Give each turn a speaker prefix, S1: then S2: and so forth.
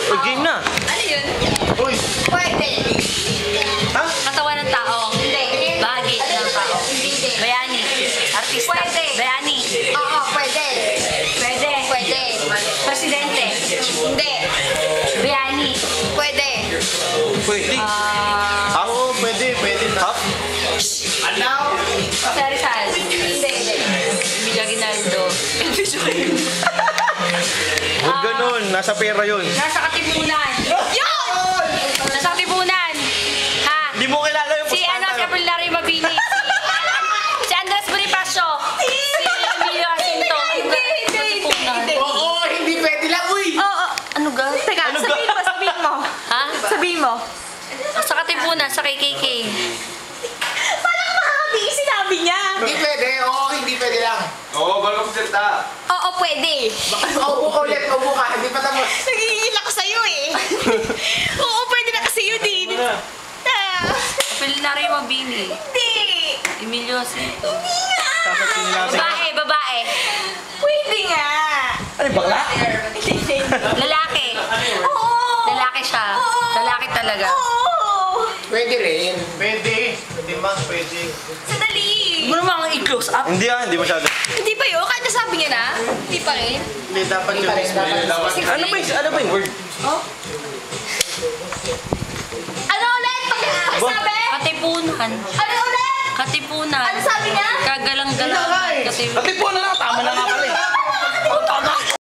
S1: O, game na.
S2: Ano yun?
S3: Uy!
S2: Pwede.
S3: Ha?
S4: Katawan ng tao.
S2: Hindi.
S4: Bahagi ng tao.
S2: Hindi.
S4: Bayani. Artista.
S2: Pwede.
S4: Bayani.
S2: Oo, pwede.
S4: Pwede.
S2: Pwede.
S4: Presidente.
S2: Hindi.
S4: Bayani.
S2: Pwede.
S3: Pwede. Oo, pwede. Pwede. Half? Ano?
S4: Jose Rizal.
S2: Hindi.
S4: Emilia Aguinaldo.
S3: Huwag ganun. Nasa pera yun.
S4: Nasa Katipunan.
S2: Yun!
S4: Nasa Katipunan. Ha?
S3: Hindi mo kilala yung
S4: Si ano, si Apolinario Mabini. Si Andres Bonifacio. Si Emilio Jacinto.
S2: Hindi.
S5: Oo, hindi pwede lang, uy!
S2: Oo.
S4: Ano ga?
S2: Teka, sabihin mo.
S4: Ha?
S2: Sabihin mo.
S4: Sa Katipunan, sa KKK.
S2: Parang makakabigay sinabi niya.
S5: Hindi pwede, oo, hindi pwede lang.
S3: Oo, bago magsalita.
S2: Oo, pwede.
S5: Upo ka ulit, upo ka, hindi pa tapos.
S2: Nagigil ako sa'yo eh. Oo, pwede na kasi yun din.
S4: Apolinario Mabini.
S2: Hindi.
S4: Emilio Jacinto.
S3: Sasakin natin.
S4: Babae, babae.
S2: Pwede nga.
S3: Ano, bakla?
S2: Hindi.
S4: Lalaki.
S2: Oo.
S4: Lalaki siya. Lalaki talaga.
S2: Oo.
S5: Pwede rin.
S3: Pwede. Pwede man, pwede.
S2: Sandali.
S4: Mo naman ang i-close up.
S3: Hindi hindi masyado.
S2: Hindi pa yun? Kahit nasabi niya na? Hindi pa rin?
S3: Hindi, dapat
S5: Hindi pa rin, dapat.
S3: Ano ba yung word?
S2: Ano ulit? Pagkasabi?
S4: Katipunan.
S2: Ano ulit?
S4: Katipunan.
S2: Ano sabi niya?
S4: Kagalang-galang. Katipunan.
S3: Ate po na lang, tama na nga pala eh.